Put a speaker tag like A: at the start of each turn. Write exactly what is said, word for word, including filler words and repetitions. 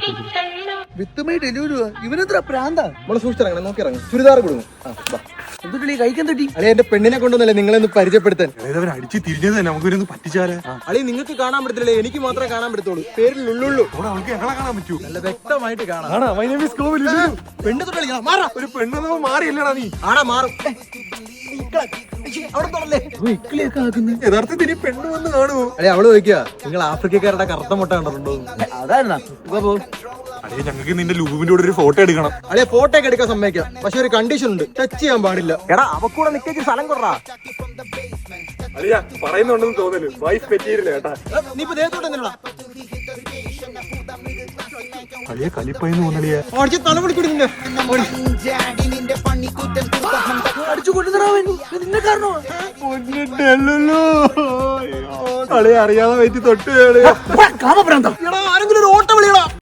A: വിത്തുമായി delivery ഇവനെത്ര പ്രാന്താ.
B: നമ്മള് സൂക്ഷിച്ചിറങ്ങണം, നോക്കി ഇറങ്ങും. ചുരിദാർ കൊടുക്കും.
A: എന്തുട്ടി കഴിക്കാൻ തട്ടി
B: അളി എന്റെ പെണ്ണിനെ കൊണ്ടൊന്നല്ലേ നിങ്ങളൊന്ന് പരിചയപ്പെടുത്താൻ.
C: അടിച്ച് തിരിഞ്ഞത് തന്നെ നമുക്ക് പറ്റിച്ചാലേ.
B: അളി നിങ്ങൾക്ക് കാണാൻ പറ്റത്തില്ലേ, എനിക്ക് മാത്രമേ കാണാൻ പറ്റത്തുള്ളൂ. പേരിൽ ഉള്ളുള്ളൂ.
C: അവൾക്ക് ഞങ്ങളെ കാണാൻ പറ്റൂ.
B: നല്ല വ്യക്തമായിട്ട് കാണാം.
A: പെണ്ണ് തൊട്ട് കളിക്കണം. മാറാ
C: ഒരു പെണ്ണ് മാറിയില്ലടാ നീ.
B: ആടാ മാറും.
C: യഥാർത്ഥത്തിൽ ഇനി പെണ്ണ് വന്ന് കാണുമോ?
B: അല്ലെ അവള് ചോദിക്കുക, നിങ്ങൾ ആഫ്രിക്കക്കാരുടെ കറുത്ത മുട്ട കണ്ടിട്ടുണ്ടോ?
A: അതായിരുന്നാ
C: അടേ ഞങ്ങൾക്ക് നിന്റെ ലൂബിന്റെ കൂടെ ഒരു ഫോട്ടോ എടുക്കണം.
B: അല്ലെ ഫോട്ടോ ഒക്കെ എടുക്കാൻ സമ്മതിക്കാം, പക്ഷെ ഒരു കണ്ടീഷൻ ഉണ്ട്, ടച്ച് ചെയ്യാൻ പാടില്ല. എടാ അവക്കൂടെ നിക്കേക്ക് സ്ഥലം കൊടുറാ.
C: അളിയാ പറയുന്നുണ്ടെന്ന് തോന്നല്, വൈഫ് പറ്റിയില്ല കേട്ടാ.
B: നീ ഇപ്പൊ ദേഹത്തോട്ട് എന്തിനാ
C: അളിയ കലിപ്പായിന്ന് തോന്നലിയ
B: അടിച്ച് തലമുടി കൂടി നിന്നെ
A: അടിച്ചു കൊണ്ടുതരാൻ നിന്നെ കാരണോ?
C: കളിയെ അറിയാതെ വെച്ച് തൊട്ട്
A: കാമപ്രാന്ത
B: എടാ